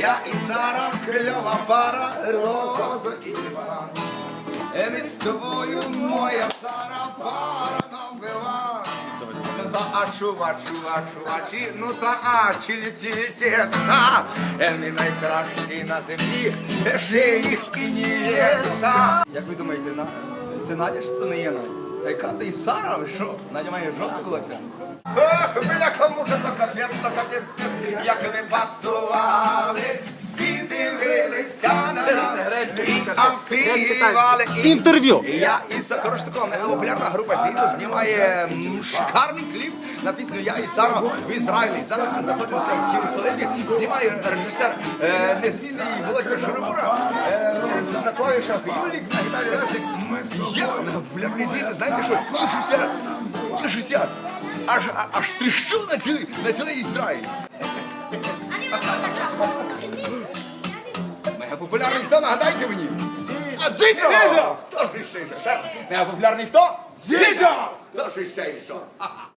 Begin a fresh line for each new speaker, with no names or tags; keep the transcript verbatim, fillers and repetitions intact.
Я і Сара, кльова пара, роза і тюльпан. Ми з тобою, моя Сара, пара набива. Ну та а чува, чува, чувачі, ну та а чилі-чилі тіста. Ми найкращі на землі, ще їх і невеста. Як ви думаєте, на... це Надя, що не є Надя? Та яка ти і Сара, ви що? Надя має жовту колося? Ох, бляха, муха, то капець, то капець, як ми пасували, всі дивилися на нас і афівали.
Інтерв'ю.
Я і Сара, коротше тако, популярна група Зізо знімає м, шикарний кліп на пісню «Я і Сара» в Ізраїлі. Зараз ми знаходимося в Єрусалимі, знімає режисер е, незмінний Володька Шурибура, е, на клавішах Юлік, на гітарі Лесик. Я на популярній Зізо, знаєте що, тішуся, тішуся, аж, а- аж тріщу на цілий, на цілий Ізраїль. Мега популярний хто, нагадайте мені? А Дзідзо! Хто ж ще? Ще раз. Мега популярний хто? Дзідзо! Хто ж ще?